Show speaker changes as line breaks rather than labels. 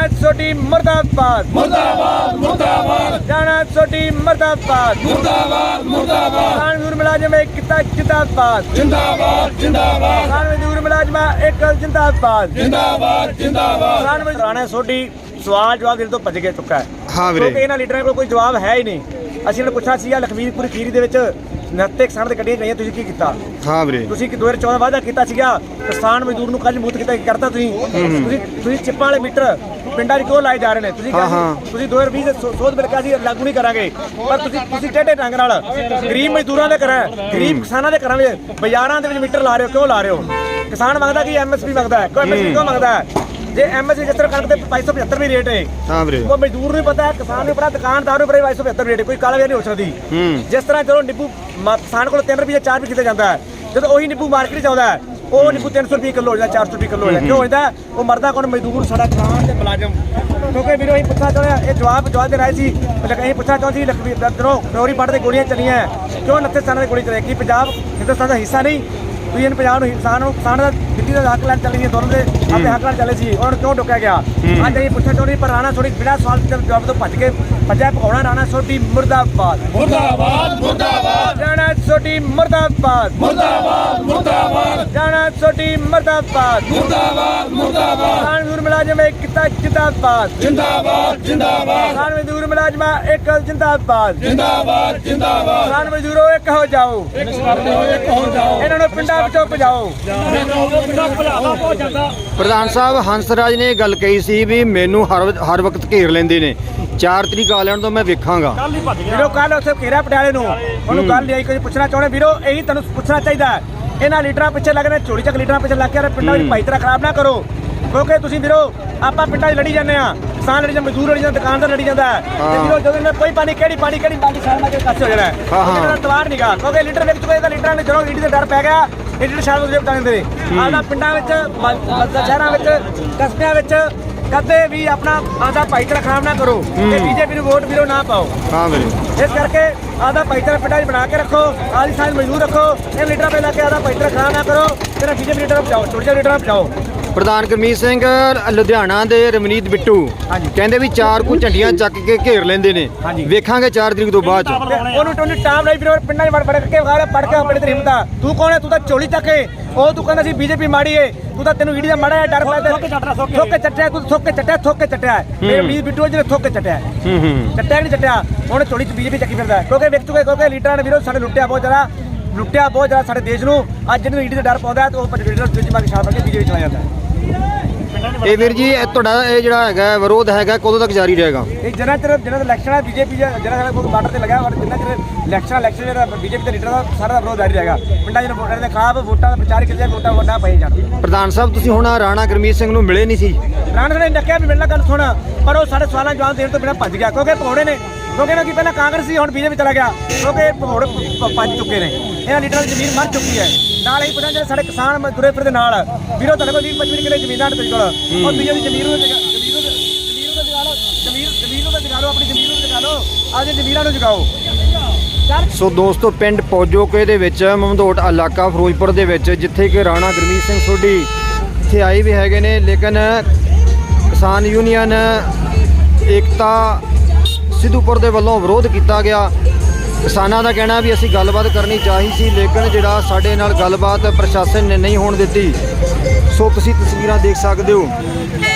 छोटी मुर्दाबाद
मुर्दाबाद मुर्दाबाद
जाना छोटी मुर्दाबाद
मुर्दाबाद मुर्दाबाद
किसान मजदूर मुलाजिम एकता जिंदाबाद
जिंदाबाद जिंदाबाद
किसान मजदूर मुलाजिम एक जिंदाबाद
जिंदाबाद जिंदाबाद
किसान मजदूर राणा सोढी सवाल जवाब देने ਤੋਂ ਭੱਜ ਕੇ ਚੁੱਕਾ ਹੈ।
ਹਾਂ ਵੀਰੇ
ਕਿਉਂਕਿ ਇਹਨਾਂ ਲੀਡਰਾਂ ਕੋਲ ਕੋਈ ਜਵਾਬ ਹੈ ਹੀ ਨਹੀਂ। ਅਸੀਂ ਇਹਨਾਂ ਨੂੰ ਪੁੱਛਿਆ ਸੀਗਾ ਲਖਵੀਰਪੁਰ ਖੀਰੀ ਦੇ ਵਿੱਚ 69 ਕਿਸਾਨ ਦੇ ਗੱਡੀਆਂ ਗਈਆਂ, ਤੁਸੀਂ ਕੀ ਕੀਤਾ?
ਹਾਂ ਵੀਰੇ
ਤੁਸੀਂ ਕਿ 2014 ਵਾਅਦਾ ਕੀਤਾ ਸੀਗਾ ਕਿਸਾਨ ਮਜ਼ਦੂਰ ਨੂੰ ਕੱਲ ਮੁਕਤ ਕੀਤਾ, ਕੀ ਕਰਤਾ ਤੁਸੀਂ ਚਿੱਪਾਂ ਵਾਲੇ ਮੀਟਰ ਪਿੰਡਾਂ 'ਚ ਕਿਉਂ ਲਾਏ ਜਾ ਰਹੇ ਨੇ? ਤੁਸੀਂ ਤੁਸੀਂ 2020 ਦੇ ਸੋਧ ਬਿੱਲ ਕਿਹਾ ਸੀ ਲਾਗੂ ਨਹੀਂ ਕਰਾਂਗੇ, ਪਰ ਤੁਸੀਂ ਟੇਢੇ ਢੰਗ ਨਾਲ ਗਰੀਬ ਮਜ਼ਦੂਰਾਂ ਦੇ ਘਰਾਂ ਗਰੀਬ ਕਿਸਾਨਾਂ ਦੇ ਘਰਾਂ ਵਿੱਚ ਬਾਜ਼ਾਰਾਂ ਦੇ ਵਿੱਚ ਮੀਟਰ ਲਾ ਰਹੇ ਹੋ, ਕਿਉਂ ਲਾ ਰਹੇ ਹੋ? ਕਿਸਾਨ ਮੰਗਦਾ ਕਿ ਐਮਐਸਪੀ ਮੰਗਦਾ ਹੈ, ਕੋਈ ਐਮਐਸਪੀ ਕਿਉਂ ਮੰਗਦਾ ਹੈ? ਜੇ ਐਮਐਸਪੀ ਜਿਸ ਤਰ੍ਹਾਂ ਕਣਕ ਦੇ 575 ਵੀ ਰੇਟ ਹੈ,
ਹਾਂ ਵੀਰੇ
ਉਹ ਮਜ਼ਦੂਰ ਨੂੰ ਪਤਾ ਹੈ, ਕਿਸਾਨ ਨੂੰ ਪਤਾ, ਦੁਕਾਨਦਾਰ ਨੂੰ ਪਤਾ 575 ਰੇਟ ਕੋਈ ਕਾਲਾ ਵੀ ਨਹੀਂ ਹੋ ਸਕਦੀ। ਜਿਸ ਤਰ੍ਹਾਂ ਚਲੋ ਨਿੰਬੂ ਕਿਸਾਨ ਕੋਲ 3 ਰੁਪਏ 4 ਰੁਪਏ ਕਿਤੇ ਜਾਂਦਾ ਹੈ, ਜਦੋਂ ਉਹੀ ਨਿੰਬੂ ਮਾਰਕੀਟ 'ਚ ਆਉਂਦਾ ਹੈ ਉਹ ਨਿੰਬੂ 300 ਰੁਪਏ ਕਿਲੋ ਹੋ ਜਾਂਦਾ, 400 ਰੁਪਏ ਕਿਲੋ ਹੋ ਜਾਂਦਾ, ਕਿਉਂ ਹੁੰਦਾ? ਉਹ ਮਰਦਾ ਕੌਣ? ਮਜ਼ਦੂਰ, ਸਾਡਾ ਕਿਸਾਨ ਤੇ ਮੁਲਾਜ਼ਮ। ਕਿਉਂਕਿ ਵੀਰੋ ਅਸੀਂ ਪੁੱਛਣਾ ਚਾਹੁੰਦੇ ਹਾਂ, ਇਹ ਜਵਾਬ ਦੇ ਰਹੇ ਸੀ, ਅਸੀਂ ਪੁੱਛਣਾ ਚਾਹੁੰਦੇ ਸੀ ਲਖਵੀਰ ਦਰੋਂ ਫਿਰੋਰੀ ਪੱਟ ਦੇ ਗੋਲੀਆਂ ਚੱਲੀਆਂ, ਕਿਉਂ 29 ਸਥਾਨਾਂ ਦੀ ਗੋਲੀ ਚੱਲੀ? ਕੀ ਪੰਜਾਬ ਹਿੰਦੁਸਤਾਨ ਦਾ ਹਿੱਸਾ ਨਹੀਂ? ਤੁਸੀਂ ਇਹਨੂੰ ਪੰਜਾਬ ਨੂੰ ਕਿਸਾਨ ਦਾ ਦਿੱਲੀ ਦਾ ਹੱਕ ਲੈਣ ਚੱਲੀ, ਦੋਨੋਂ ਦੇ ਆਪਣੇ ਹੱਕ ਲੈਣ ਚੱਲੇ ਸੀ, ਉਹਨਾਂ ਨੂੰ ਕਿਉਂ ਡੁੱਕਿਆ ਗਿਆ? ਅੱਜ ਅਸੀਂ ਪੁੱਛਣਾ ਚਾਹੁੰਦੇ ਪਰ ਰਾਣਾ ਥੋੜੀ ਬਿਨਾਂ ਸਵਾਲ ਜਵਾਬ ਤੋਂ ਭੱਜਿਆ ਪਕਾਉਣਾ। ਰਾਣਾ ਸੋਢੀ ਮੁਰਦਾਬਾਦ
मुर्दाबाद मुर्दाबाद
ਰਾਣਾ ਸੋਢੀ ਮੁਰਦਾਬਾਦ
मुर्दाबाद मुर्दाबाद
ਰਾਣਾ ਸੋਢੀ ਮੁਰਦਾਬਾਦ
मुर्दाबाद मुर्दाबाद
ਕਿਸਾਨ ਮਜ਼ਦੂਰ ਮੁਲਾਜ਼ਮ एकता जिंदाबाद
जिंदाबाद जिंदाबाद
ਕਿਸਾਨ ਮਜ਼ਦੂਰ ਮੁਲਾਜ਼ਮ ਇੱਕ ਜਿੰਦਾਬਾਦ
जिंदाबाद जिंदाबाद
ਕਿਸਾਨ ਮਜ਼ਦੂਰੋ ਇੱਕ ਹੋ ਜਾਓ, ਇਹਨਾਂ ਨੂੰ ਪਿੰਡਾਂ ਵਿੱਚੋਂ ਭਜਾਓ।
ਪ੍ਰਧਾਨ ਸਾਹਿਬ ਹੰਸਰਾਜ ਨੇ ਇਹ ਗੱਲ ਕਹੀ ਸੀ ਵੀ ਮੈਨੂੰ ਹਰ ਵਕਤ ਘੇਰ ਲੈਂਦੇ ਨੇ, 4 ਤਰੀਕ ਆ ਲੈਣ ਤੋਂ ਮੈਂ ਵੇਖਾਂਗਾ।
ਵੀਰੋ ਕੱਲ ਉੱਥੇ ਘੇਰਾ ਪਟਿਆਲੇ ਨੂੰ, ਉਹਨੂੰ ਗੱਲ ਨਹੀਂ ਆਈ। ਕੁਝ ਪੁੱਛਣਾ ਚਾਹੁੰਦੇ ਵੀਰੋ, ਇਹੀ ਤੁਹਾਨੂੰ ਪੁੱਛਣਾ ਚਾਹੀਦਾ ਹੈ। ਇਹਨਾਂ ਲੀਡਰਾਂ ਪਿੱਛੇ ਲੱਗਣੇ, ਝੋਲੀ ਚੱਕ ਲੀਡਰਾਂ ਪਿੱਛੇ ਲੱਗ ਕੇ ਪਿੰਡਾਂ ਵਿੱਚ ਭਾਈਚਾਰਾ ਖਰਾਬ ਨਾ ਕਰੋ। ਕਿਉਂਕਿ ਤੁਸੀਂ ਵੀਰੋ ਆਪਾਂ ਪਿੰਡਾਂ 'ਚ ਲੜੀ ਜਾਂਦੇ ਆ, ਕਿਸਾਨ ਲੜੀ ਜਾਂਦੇ, ਮਜ਼ਦੂਰ ਲੜੀ ਜਾਂਦੇ, ਦੁਕਾਨਦਾਰ ਲੜੀ ਜਾਂਦਾ ਹੈ, ਤੇ ਵੀਰੋ ਜਦੋਂ ਇਹਨਾਂ ਕੋਈ ਪਾਣੀ ਕਿਹੜੀ ਬਾਲੀ ਸਾਲ ਨਾਲ ਕਾਸੇ ਹੋ ਜਾਣਾ ਹੈ, ਇਹਨਾਂ ਦਾ ਤਵਾਰ ਨਿਗਾ। ਕਿਉਂਕਿ ਲੀਡਰ ਵੇਖ ਚੁੱਕੇ, ਲੀਡਰਾਂ ਨੇ ਜਦੋਂ ਈਡੀ ਦੇ ਡਰ ਪੈ ਗਿਆ, ਇਹ ਲੀਡਰ ਸ਼ਾਇਦ ਉਹਦੇ ਬਤਾ ਦਿੰਦੇ ਨੇ। ਆਪਣਾ ਪਿੰਡਾਂ ਵਿੱਚ, ਸ਼ਹਿਰਾਂ ਵਿੱਚ, ਕਸਬਿਆਂ ਵਿੱਚ ਕਦੇ ਵੀ ਆਪਣਾ ਆਦਾ ਭਾਈਚਾਰਾ ਖਰਾਬ ਨਾ ਕਰੋ ਤੇ ਬੀਜੇਪੀ ਨੂੰ ਵੋਟ ਵੀਰੋ ਨਾ ਪਾਓ।
ਹਾਂ ਵੀਰੇ
ਇਸ ਕਰਕੇ ਆਦਾ ਭਾਈਚਾਰਾ ਪਿੰਡਾਂ 'ਚ ਬਣਾ ਕੇ ਰੱਖੋ, ਆਦੀ ਸਾਲ ਮਜ਼ਦੂਰ ਰੱਖੋ, ਇਹ ਲੀਡਰਾਂ ਪੇ ਲਾ ਕੇ ਆਦਾ ਭਾਈਚਾਰਾ ਖਰਾਬ ਨਾ ਕਰੋ, ਤੇਰਾ ਬੀਜੇਪੀ ਲੀਡਰ ਬਚਾਓ, ਛੋਟੇ ਜਿਹੇ ਲੀਡਰਾਂ ਬਚਾਓ।
ਪ੍ਰਧਾਨ ਗੁਰਮੀਤ ਸਿੰਘ ਲੁਧਿਆਣਾ ਦੇ ਰਮਨੀਤ ਬਿੱਟੂ ਕਹਿੰਦੇ ਵੀ 4 ਕੁ ਝੰਡੀਆਂ ਚੱਕ ਕੇ ਘੇਰ ਲੈਂਦੇ ਨੇ, ਵੇਖਾਂਗੇ 4 ਤਰੀਕ ਤੋਂ ਬਾਅਦ।
ਉਹਨੂੰ ਟੋਨੀ ਟਾਮ ਲਈ ਵੀਰੋ ਪਿੰਡਾਂ 'ਚ ਵੜ ਕੇ ਵਿਖਾ ਪੜ ਕੇ ਆਪਣੇ ਤੇ ਹਿੰਮਤਾ। ਤੂੰ ਕੌਣ ਹੈ? ਤੂੰ ਤਾਂ ਝੋਲੀ ਚੱਕ ਕੇ ਉਹ ਤੂੰ ਕਹਿੰਦਾ ਸੀ ਬੀਜੇਪੀ ਮਾੜੀ ਏ, ਤੂੰ ਤਾਂ ਤੈਨੂੰ ਈਡੀ ਦਾ ਮਾੜਾ ਹੈ, ਡਰ ਪੈਦਾ ਥੋਕੇ ਚੱਟਿਆ, ਤੂੰ ਥੋਕੇ ਚੱਟਿਆ ਮੇਰੇ ਰਮਨੀਤ ਬਿੱਟੂ ਜਿਹਨੇ ਥੋਕੇ ਚੱਟਿਆ ਨਹੀਂ ਚੱਟਿਆ, ਉਹਨੇ ਝੋਲੀ 'ਚ ਬੀਜੇਪੀ ਚੱਕੀ ਫਿਰਦਾ। ਕਿਉਂਕਿ ਵੇਖ ਚੁੱਕੇ, ਕਿਉਂਕਿ ਲੀਡਰਾਂ ਨੇ ਵੀਰੋ ਸਾਡੇ ਲੁੱਟਿਆ ਬਹੁਤ ਜ਼ਿਆਦਾ ਸਾਡੇ ਦੇਸ਼ ਨੂੰ। ਅੱਜ ਜਿਹਨੂੰ ਈਡੀ ਦਾ ਡਰ ਪਾਉਂਦਾ ਤੇ ਉਹ ਲੀਡਰ ਦੂਜੀ ਮਾਰ ਕੇ ਛਾਲ ਮਾਰ ਕੇ ਬੀਜੇਪੀ ਚਲਾ ਜਾਂਦਾ ਹੈ।
ਇਹ ਵੀਰ ਜੀ ਤੁਹਾਡਾ ਇਹ ਜਿਹੜਾ ਹੈਗਾ ਵਿਰੋਧ ਹੈਗਾ ਕਦੋਂ ਤੱਕ ਜਾਰੀ ਰਹੇਗਾ?
ਇਹ ਜਿੰਨਾ ਚਿਰ ਇਲੈਕਸ਼ਨ ਹੈ ਬੀਜੇਪੀ ਜਿਹੜਾ ਕੋਈ ਬਾਰਡਰ ਤੇ ਲੱਗਾ, ਜਿੰਨਾ ਚਿਰ ਇਲੈਕਸ਼ਨ ਜਿਹੜਾ ਬੀਜੇਪੀ ਦੇ ਲੀਡਰ ਦਾ ਸਾਰਾ ਵਿਰੋਧ ਜਾਰੀ ਰਹੇਗਾ। ਪਿੰਡਾਂ 'ਚ ਵੋਟਾਂ ਦੇ ਖਿਲਾਫ ਵੋਟਾਂ ਦਾ ਪ੍ਰਚਾਰ ਕੀਤਾ, ਵੋਟਾਂ ਵੱਡਾ ਪਈ ਜਾਣ।
ਪ੍ਰਧਾਨ ਸਾਹਿਬ ਤੁਸੀਂ ਹੁਣ ਰਾਣਾ ਗੁਰਮੀਤ ਸਿੰਘ ਨੂੰ ਮਿਲੇ ਨਹੀਂ ਸੀ?
ਰਾਣਾ ਨੇ ਡੱਕਿਆ ਵੀ ਮਿਲਣਾ, ਗੱਲ ਸੁਣ, ਪਰ ਉਹ ਸਾਡੇ ਸਵਾਲਾਂ ਜਵਾਬ ਦੇਣ ਤੋਂ ਬਿਨਾਂ ਭੱਜ ਗਿਆ। ਕਿਉਂਕਿ ਭਗੌੜੇ ਨੇ, ਕਿਉਂਕਿ ਨਾ ਕਿ ਪਹਿਲਾਂ ਕਾਂਗਰਸ ਸੀ, ਹੁਣ ਬੀਜੇਪੀ ਚਲਾ ਗਿਆ, ਕਿਉਂਕਿ ਭਗੌੜੇ ਭੱਜ ਚੁੱਕੇ ਨੇ। ਇਹਨਾਂ ਲੀਡਰਾਂ ਦੀ ਜ਼ਮੀਨ ਮਰ ਚੁੱਕੀ ਹੈ। ਨਾਲ ਹੀ ਪੁੱਛਾਂ ਜਿਹੜੇ ਸਾਡੇ ਕਿਸਾਨ ਮਜ਼ਦੂਰੇ ਫਿਰਦੇ ਨਾਲ ਵੀਰੋ ਤੁਹਾਡੇ ਕੋਲ 20-25 ਕਿੱਲੇ ਜ਼ਮੀਨਾਂ ਨੇ, ਕੋਲ ਉਹ ਬੀਜੇਪੀ ਜ਼ਮੀਨ ਨੂੰ ਜਗਾ ਲਓ, ਆਪਣੀ ਜ਼ਮੀਨ ਨੂੰ ਜਗਾ ਲਓ, ਆਪਣੀ ਜ਼ਮੀਨਾਂ ਨੂੰ ਜਗਾਓ।
ਸੋ ਦੋਸਤੋ ਪਿੰਡ ਪੌਜੋਕੇ ਦੇ ਵਿੱਚ ਮਮਦੋਟ ਇਲਾਕਾ ਫਿਰੋਜ਼ਪੁਰ ਦੇ ਵਿੱਚ ਜਿੱਥੇ ਕਿ ਰਾਣਾ ਗੁਰਮੀਤ ਸਿੰਘ ਸੋਢੀ ਇੱਥੇ ਆਏ ਵੀ ਹੈਗੇ ਨੇ, ਲੇਕਿਨ ਕਿਸਾਨ ਯੂਨੀਅਨ ਏਕਤਾ ਸਿੱਧੂਪੁਰ ਦੇ ਵੱਲੋਂ ਵਿਰੋਧ ਕੀਤਾ ਗਿਆ। ਕਿਸਾਨਾਂ ਦਾ ਕਹਿਣਾ ਵੀ ਅਸੀਂ ਗੱਲਬਾਤ ਕਰਨੀ ਚਾਹੀ ਸੀ, ਲੇਕਿਨ ਜਿਹੜਾ ਸਾਡੇ ਨਾਲ ਗੱਲਬਾਤ ਪ੍ਰਸ਼ਾਸਨ ਨੇ ਨਹੀਂ ਹੋਣ ਦਿੱਤੀ। ਸੋ ਤੁਸੀਂ ਤਸਵੀਰਾਂ ਦੇਖ ਸਕਦੇ ਹੋ।